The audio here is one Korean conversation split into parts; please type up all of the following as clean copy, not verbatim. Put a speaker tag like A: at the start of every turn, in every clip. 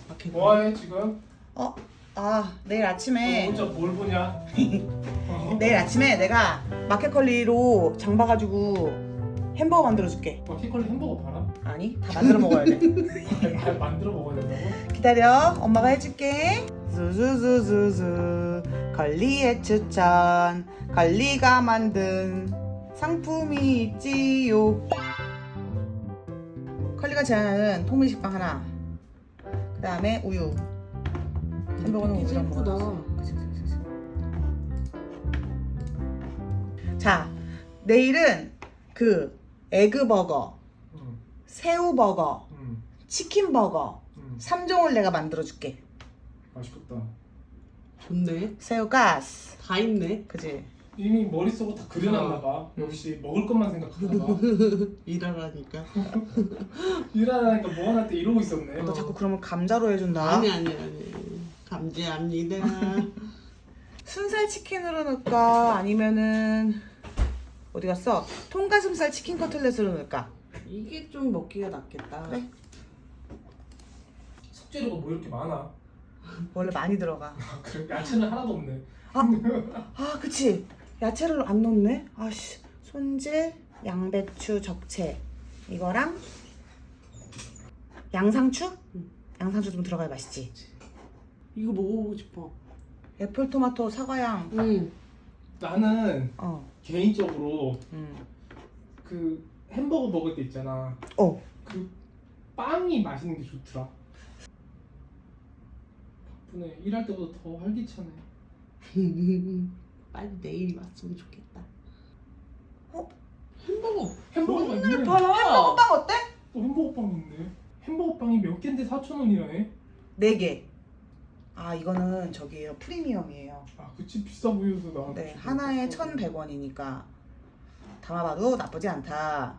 A: 뭐해 지금?
B: 내일 아침에
A: 너 혼자 뭘 보냐?
B: 내일 아침에 내가 마켓컬리로 장 봐가지고 햄버거 만들어줄게.
A: 마켓컬리 햄버거 팔아?
B: 아니, 다 만들어 먹어야 돼.
A: 만들어 먹어야 된다고?
B: 기다려, 엄마가 해줄게. zuzuzuzuzu 걸리의 추천, 걸리가 만든 상품이 있지요. 컬리가 제안하는 통밀식빵 하나, 그 다음에 우유. 햄버거는
C: 패키지
B: 우유랑
C: 예쁘다.
B: 먹어. 그치. 자, 내일은 그 에그버거,
A: 응.
B: 새우버거,
A: 응.
B: 치킨버거 3종을 내가 만들어줄게.
A: 맛있겠다.
C: 좋네.
B: 새우가스,
C: 다 있네.
B: 그치?
A: 이미 머릿속으로 다 그려놨나 봐. 역시 먹을 것만 생각하나 봐.
C: 일하라니까.
A: 일하니까 뭐 하나 때 이러고 있었네.
B: 너 자꾸 그러면 감자로 해준다.
C: 아니. 감지합니다.
B: 순살 치킨으로 넣을까? 아니면은 어디 갔어? 통가슴살 치킨 커틀렛으로 넣을까?
C: 이게 좀 먹기가 낫겠다.
B: 그래?
A: 숙제료가 뭐 이렇게 많아?
B: 원래 많이 들어가.
A: 아, 그래? 야채는 하나도 없네.
B: 그치? 야채를 안 넣네? 아씨, 손질, 양배추, 적채 이거랑 양상추? 양상추 좀 들어가야 맛있지.
C: 이거 먹어보고 싶어.
B: 애플토마토, 사과향.
A: 나는
B: 어.
A: 개인적으로 그 햄버거 먹을 때 있잖아. 그 빵이 맛있는 게 좋더라. 바쁘네. 일할 때보다 더 활기차네.
C: 빨리 내일이 왔으면 좋겠다.
A: 햄버거가 있네.
B: 햄버거빵 어때?
A: 햄버거빵 있네. 햄버거빵이 몇 개인데 4,000원이라네.
B: 4개. 이거는 저기예요. 프리미엄이에요.
A: 그치, 비싸 보여서 나.
B: 네, 하나에 1,100원이니까 담아봐도 나쁘지 않다.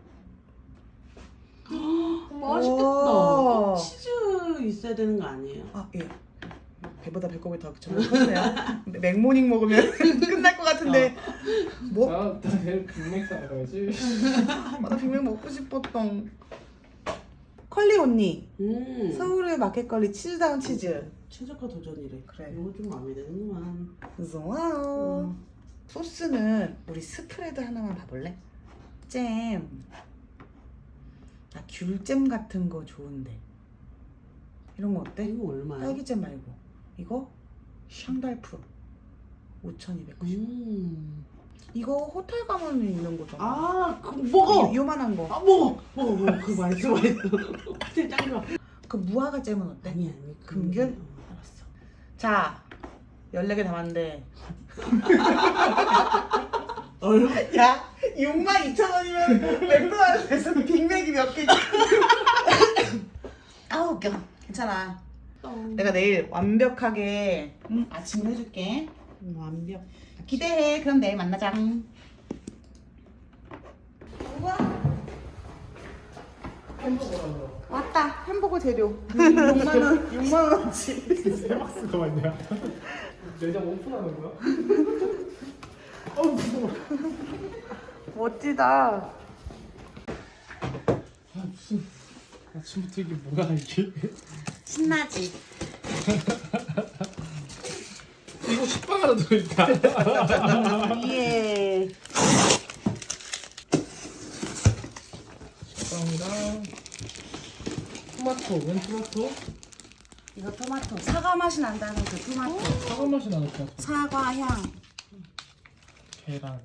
C: 맛있겠다.
B: 오.
C: 치즈 있어야 되는 거 아니에요?
B: 예. 배보다 배꼽이 더 점점 크네요. 맥모닝 먹으면 끝날 것 같은데. 뭐?
A: 나 내일 빅맥 사러 가야지.
B: 나 빅맥 먹고 싶었던. 컬리 언니. 서울의 마켓컬리 치즈다운 치즈.
C: 최저가 도전이래.
B: 그래.
C: 이거 좀 마음에 드는구만.
B: 와우. 소스는 우리 스프레드 하나만 봐볼래? 잼. 귤잼 같은 거 좋은데. 이런 거 어때?
C: 이거 얼마야?
B: 딸기잼 말고. 이거 샹달프 5,290원. 이거 호텔 가면 있는 거잖아.
C: 그거 먹어.
B: 요만한 거.
C: 먹어. 그거 맛있어. 호텔 짱 좋아.
B: 그 무화과 잼은 어때?
C: 아니.
B: 금귤? 알았어. 자, 14개 담았는데. 야, 62,000원이면 맥도날드에서 빅맥이 몇 개지? 웃겨. 괜찮아. 내가 내일 완벽하게 아침을 해줄게.
C: 완벽.
B: 기대해. 그럼 내일 만나자. 우와.
A: 햄버거라며.
B: 왔다. 햄버거 재료. 6만원. 6만원어치.
A: 세 박스가 많냐? 매장 오픈하는 거야? 무서워.
B: 멋지다.
A: 무슨 아침부터 이게 뭐야 이게?
B: 신나지?
A: 이거 식빵 하나 들어있다.
B: 예.
A: 식빵이랑 토마토. 웬 토마토?
B: 이거 토마토. 사과 맛이 난다는 그 토마토.
A: 사과 맛이 나는 토마토.
B: 사과 향.
A: 계란.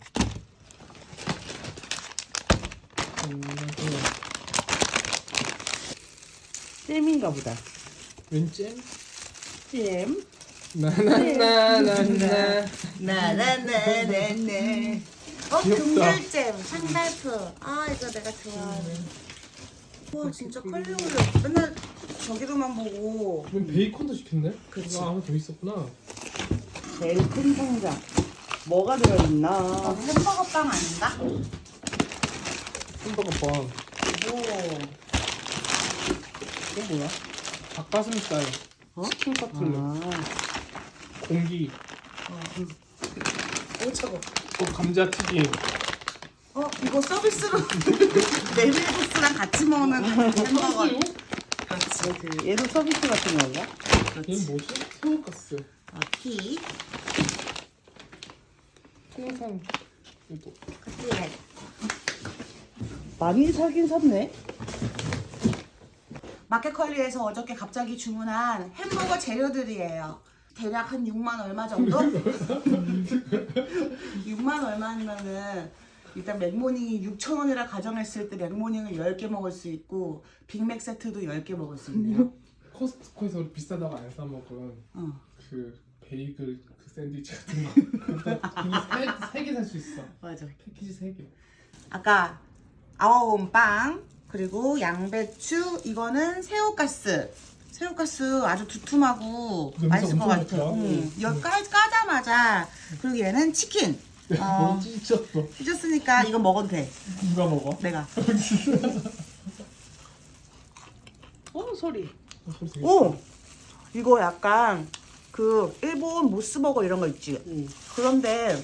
B: 잼인가 보다.
A: 웬 잼?
B: 잼.
A: 나나나나나.
B: 나나나나나.
A: 귀엽다.
B: 금귤잼, 샹달프. 이거 내가 좋아하는. 와 진짜 컬리 올려. 맨날 저기로만 보고.
A: 웬 베이컨도 시켰네?
B: 그치.
A: 하나 더 있었구나.
B: 제일 큰 상자. 뭐가 들어있나? 햄버거 빵 아닌가?
A: 햄버거 빵.
B: 오.
A: 이거 뭐야? 닭가슴살. 치킨 커틀렛. 공기.
B: 오 차고.
A: 감자튀김.
B: 이거 서비스로 메밀국수랑 같이 먹는 햄버거.
A: 탕수육?
B: 그렇지.
C: 그렇지. 얘도 서비스 같은 건가?
A: 얘는 뭐지? 새우가스.
B: 티.
A: 생선 이거.
B: 그치.
C: 많이 사긴 샀네.
B: 마켓컬리에서 어저께 갑자기 주문한 햄버거 재료들이에요. 대략 한 6만 얼마 정도? 6만 얼마면은 일단 맥모닝이 6,000원이라 가정했을 때 맥모닝을 10개 먹을 수 있고 빅맥 세트도 10개 먹을 수 있네요.
A: 코스트코에서 우리 비싸다고 안 사 먹은 그 베이글 그 샌드위치 같은 거 그거 3개 살 수 있어.
B: 맞아.
A: 패키지 3개.
B: 아까 아워온빵 그리고 양배추 이거는 새우가스. 새우가스 아주 두툼하고
A: 냄새
B: 맛있을 것
A: 엄청
B: 같아.
A: 좋다.
B: 이거 까자마자 그리고 얘는 치킨.
A: 너무 찢었어.
B: 찢었으니까 이거 먹어도 돼.
A: 누가 먹어?
B: 내가.
C: 소리.
A: 소리 되게
B: 오! 이거 약간 그 일본 모스버거 이런 거 있지? 그런데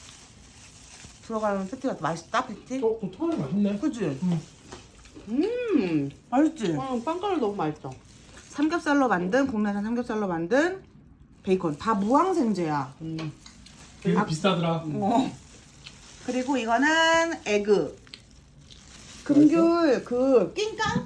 B: 들어가는 패티가 맛있다, 패티?
A: 그 토마토 맛있네.
B: 그치? 맛있지?
C: 빵가루 너무 맛있어.
B: 삼겹살로 만든, 국내산 삼겹살로 만든 베이컨. 다 무항생제야.
A: 되게 비싸더라.
B: 그리고 이거는 에그. 금귤, 그, 낑깡?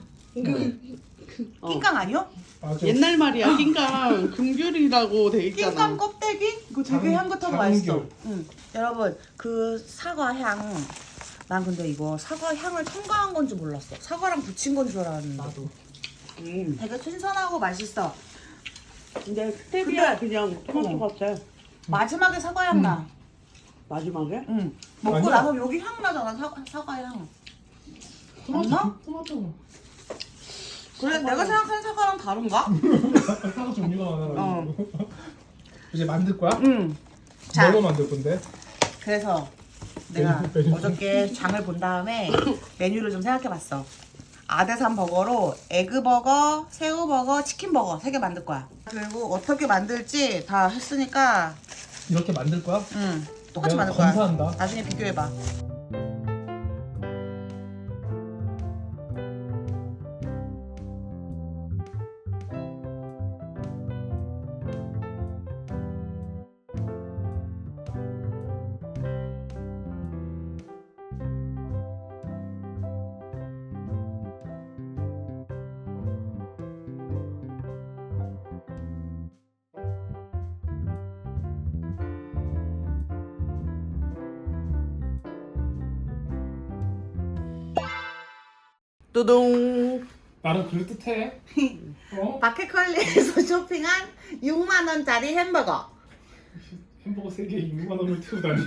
B: 낑깡 아니요?
A: 맞아.
C: 옛날 말이야. 낑깡 금귤이라고 돼 있잖아.
B: 낑깡 껍데기? 그거 되게
A: 장-
B: 향긋하고
A: 장귤.
B: 맛있어. 여러분, 그 사과 향. 난 근데 이거 사과 향을 첨가한 건 줄 몰랐어. 사과랑 붙인 건 줄 알았는데.
A: 나도.
B: 되게 신선하고 맛있어.
C: 근데 스테비아 그냥 토마토 같아.
B: 마지막에 사과 향 나.
C: 마지막에?
B: 응. 먹고
A: 아니야.
B: 나서 여기 향 나잖아. 사과 향. 맞나?
A: 토마토.
B: 그래, 내가 생각하는 사과랑 다른가?
A: 사과 종류가 많아가지고. 이제 만들 거야?
B: 응. 자,
A: 뭘로 만들 건데?
B: 그래서 내가
A: 메뉴.
B: 어저께 장을 본 다음에 메뉴를 좀 생각해봤어. 아대산 버거로 에그버거, 새우버거, 치킨버거 3개 만들 거야. 그리고 어떻게 만들지 다 했으니까
A: 이렇게 만들 거야?
B: 똑같이
A: 내가
B: 만들 거야.
A: 검사한다.
B: 나중에 비교해봐.
C: 뚜둥.
A: 나는 그럴듯해.
B: 마켓컬리에서 쇼핑한 6만 원짜리 햄버거.
A: 햄버거 3개에 6만 원을 태우다니.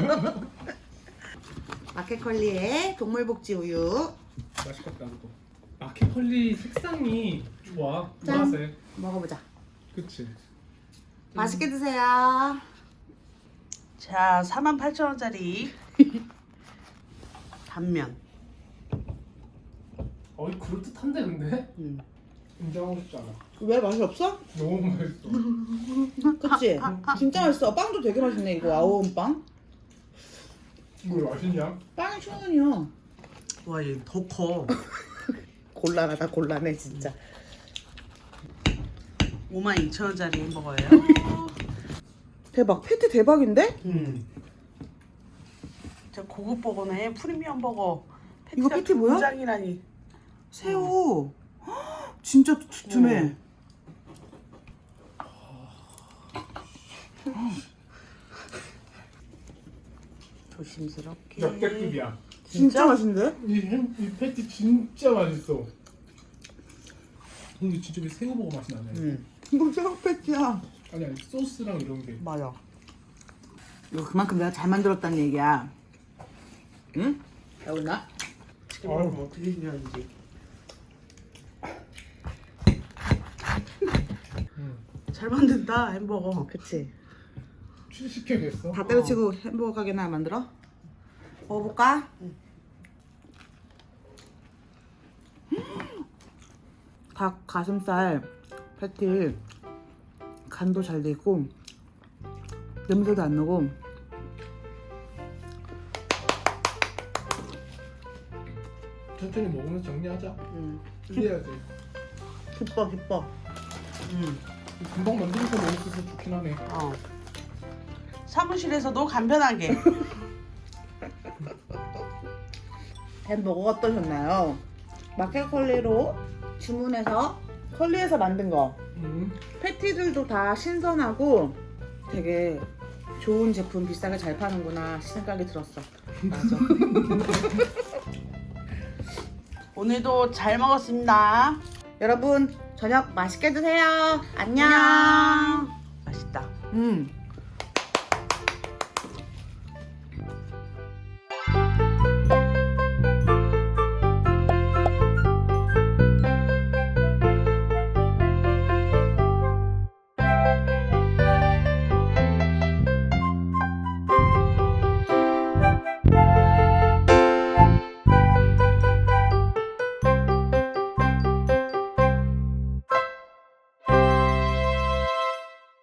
B: 마켓컬리의 동물복지 우유.
A: 맛있겠다 그거. 마켓컬리 색상이 좋아.
B: 짠.
A: 보라색.
B: 먹어보자.
A: 그치.
B: 맛있게 드세요.
C: 자, 48,000원짜리 단면.
A: 어이 그럴듯한데 근데? 인정하고 싶지 않아.
B: 왜 맛이 없어?
A: 너무 맛있어.
B: 그치? 진짜 맛있어. 빵도 되게 맛있네. 이거 아오온 빵.
A: 뭘 맛있냐?
B: 빵이 1,000원이야.
C: 와, 얘 더 커.
B: 곤란하다 곤란해 진짜.
C: 52,000원짜리 햄버거예요.
B: 대박. 패티 대박인데?
C: 진짜 고급 버거네. 프리미엄 버거.
B: 이거 패티 뭐야?
C: 짱이라니.
B: 새우. 헉, 진짜 두툼해.
C: 조심스럽게.
A: 역대급이야.
B: 진짜 맛있는데?
A: 이 패티 진짜 맛있어. 근데 진짜 왜 새우버거 맛이 나네.
B: 이거 새우 패티야.
A: 아니 소스랑 이런 게.
B: 맞아. 이거 그만큼 내가 잘 만들었다는 얘기야. 응? 배웠나?
C: 아유, 뭐 어떻게 생겼는지. 잘 만든다 햄버거.
B: 그치.
A: 취직시켜야겠어.
B: 다 때려치고 햄버거 가게나 만들어? 먹어볼까? 닭 가슴살 패티 간도 잘 돼 있고 냄새도 안 나고
A: 천천히 먹으면서 정리하자. 이래야지.
B: 기뻐 기뻐.
A: 금방 만들어서 먹을 수 있어서 좋긴 하네.
C: 사무실에서도 간편하게.
B: 햄버거 어떠셨나요? 마켓컬리로 주문해서 컬리에서 만든 거. 패티들도 다 신선하고 되게 좋은 제품 비싸게 잘 파는구나 생각이 들었어.
C: 맞아. 오늘도 잘 먹었습니다.
B: 여러분 저녁 맛있게 드세요. 안녕.
C: 맛있다.